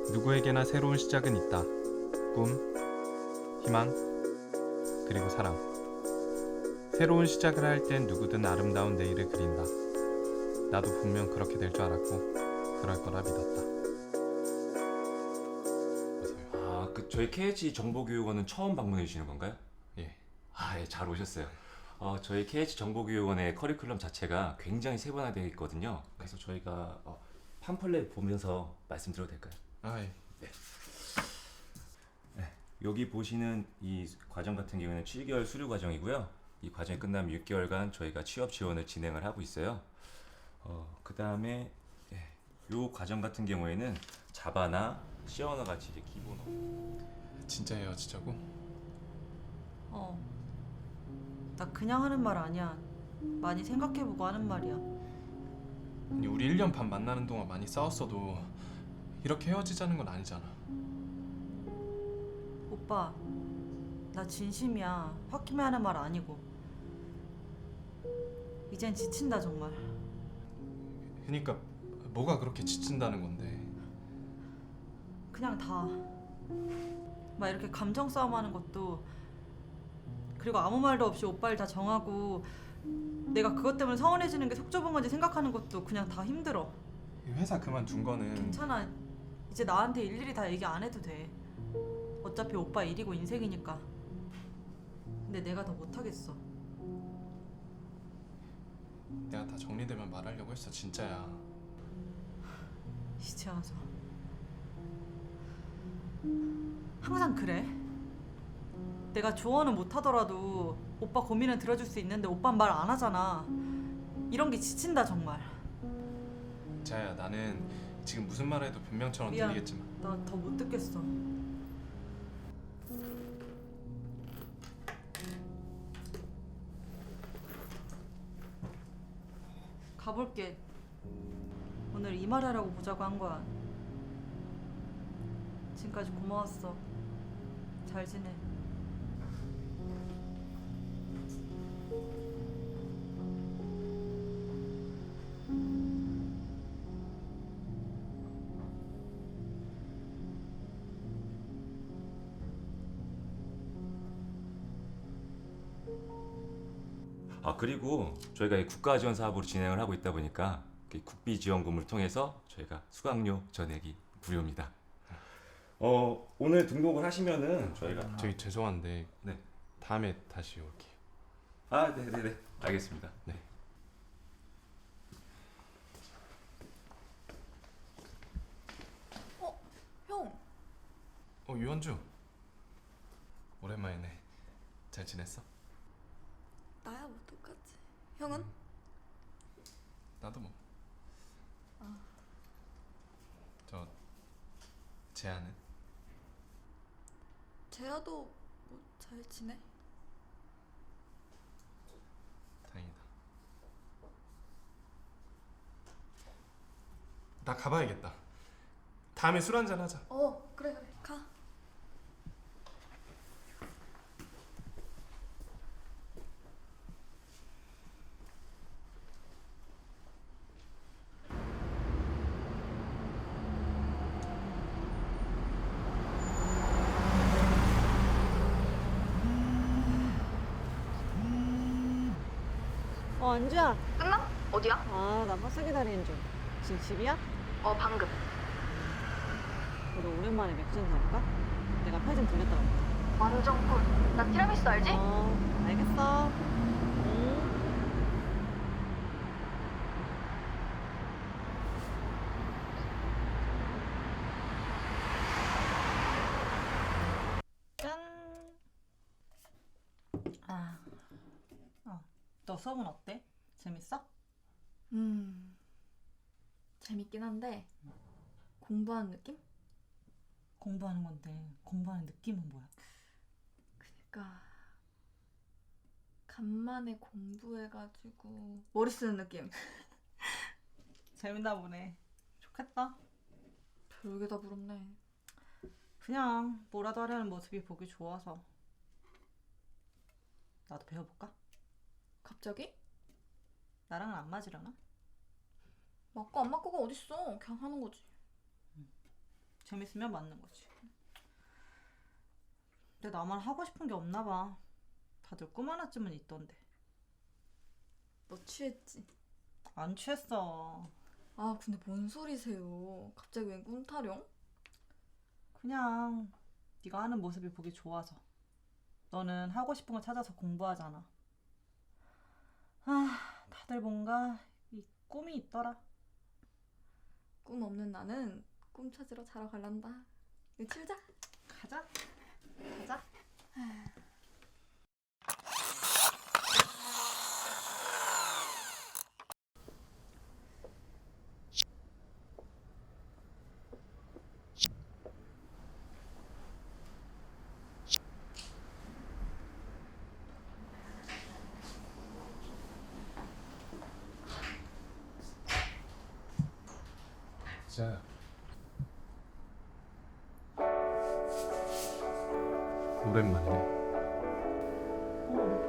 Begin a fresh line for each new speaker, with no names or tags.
누구에게나 새로운 시작은 있다. 꿈, 희망, 그리고 사랑. 새로운 시작을 할 땐 누구든 아름다운 내일을 그린다. 나도 분명 그렇게 될 줄 알았고 그럴 거라 믿었다.
아, 저희 KH 정보교육원은 처음 방문해 주시는 건가요?
예.
예, 잘 오셨어요. 저희 KH 정보교육원의 커리큘럼 자체가 굉장히 세분화되어 있거든요. 그래서 저희가 팜플렛 보면서 말씀드려도 될까요?
예.
여기 보시는 이 과정 같은 경우는 7개월 수료 과정이고요. 이 과정이 끝나면 6개월간 저희가 취업 지원을 진행을 하고 있어요. 그 다음에 이 과정 같은 경우에는 자바나 C 언어 같이 이제 기본
진짜 헤어지자고?
나 그냥 하는 말 아니야. 많이 생각해보고 하는 말이야.
아니, 우리 1년 반 만나는 동안 많이 싸웠어도 이렇게 헤어지자는 건 아니잖아.
오빠, 나 진심이야. 홧김에 하는 말 아니고. 이젠 지친다 정말.
그러니까 뭐가 그렇게 지친다는 건데.
그냥 다. 막 이렇게 감정 싸움하는 것도, 그리고 아무 말도 없이 오빠를 다 정하고 내가 그것 때문에 서운해지는 게 속 좁은 건지 생각하는 것도 그냥 다 힘들어.
회사 그만둔 거는
괜찮아. 이제 나한테 일일이 다 얘기 안 해도 돼. 어차피 오빠 일이고 인생이니까. 근데 내가 더 못하겠어.
내가 다 정리되면 말하려고 했어. 진짜야.
이제 와서 항상 그래? 내가 조언은 못하더라도 오빠 고민은 들어줄 수 있는데 오빠는 말 안 하잖아. 이런 게 지친다 정말.
자야, 나는 지금 무슨 말 해도 변명처럼
미안.
들리겠지만
나 더 못 듣겠어. 가볼게. 오늘 이 말 하라고 보자고 한 거야. 지금까지 고마웠어. 잘 지내.
그리고 저희가 이 국가 지원 사업으로 진행을 하고 있다 보니까 이 국비 지원금을 통해서 저희가 수강료 전액이 무료입니다. 오늘 등록을 하시면은 저희가
저기 죄송한데
네.
다음에 다시 올게요.
네네네, 알겠습니다.
네.
형,
유원주. 오랜만이네. 잘 지냈어?
나야 뭐 똑같지. 형은?
나도 뭐. 저 재아는?
재아도 뭐 잘 지내?
다행이다. 나 가봐야겠다. 다음에 술 한잔 하자.
그래 가.
안주야.
끝나? 어디야?
나 버스 기다리는 중. 지금 집이야?
방금.
우리 오랜만에 맥주 한잔 할까? 내가 편의점 들렸다가 올게.
완전 꿀. 나 티라미수 알지?
알겠어.
짠. 너 수업은 어때? 재밌어?
재밌긴 한데 공부하는 느낌?
공부하는 건데 공부하는 느낌은 뭐야?
그니까 간만에 공부해가지고 머리 쓰는 느낌.
재밌나 보네. 좋겠다.
별게 다 부럽네.
그냥 뭐라도 하려는 모습이 보기 좋아서. 나도 배워볼까?
갑자기?
나랑은 안 맞으려나?
맞고 안 맞고가 어딨어. 그냥 하는 거지.
재밌으면 맞는 거지. 근데 나만 하고 싶은 게 없나 봐. 다들 꿈 하나쯤은 있던데.
너 취했지?
안 취했어.
아 근데 뭔 소리세요? 갑자기 웬 꿈타령?
그냥 네가 하는 모습이 보기 좋아서. 너는 하고 싶은 거 찾아서 공부하잖아. 아, 다들 뭔가 이 꿈이 있더라.
꿈 없는 나는 꿈 찾으러 자러 갈란다. 이거 치우자.
가자. 가자.
진짜야. 오랜만이네.
어,